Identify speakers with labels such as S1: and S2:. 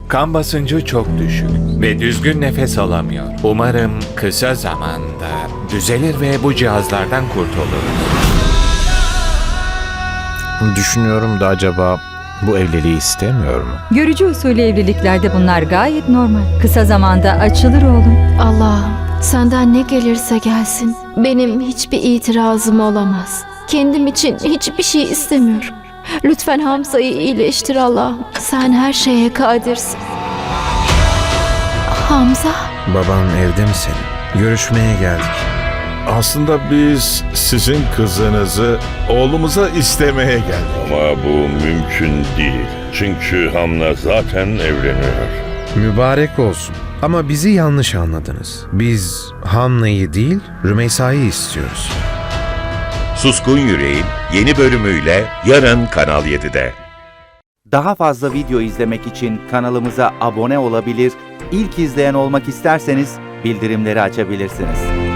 S1: Kan basıncı çok düşük ve düzgün nefes alamıyor. Umarım kısa zamanda düzelir ve bu cihazlardan kurtuluruz.
S2: Düşünüyorum da acaba bu evliliği istemiyor mu?
S3: Görücü usulü evliliklerde bunlar gayet normal. Kısa zamanda açılır oğlum.
S4: Allah'ım, senden ne gelirse gelsin. Benim hiçbir itirazım olamaz. Kendim için hiçbir şey istemiyorum. Lütfen Hamza'yı iyileştir Allah'ım. Sen her şeye kadirsin. Hamza,
S2: Baban evde mi senin? Görüşmeye geldik.
S5: Aslında biz sizin kızınızı oğlumuza istemeye geldik.
S6: Ama bu mümkün değil. Çünkü Hamla zaten evleniyor.
S7: Mübarek olsun. Ama bizi yanlış anladınız. Biz Hamna'yı değil, Rümeysa'yı istiyoruz.
S8: Suskun Yüreğin yeni bölümüyle yarın Kanal 7'de.
S9: Daha fazla video izlemek için kanalımıza abone olabilir, ilk izleyen olmak isterseniz bildirimleri açabilirsiniz.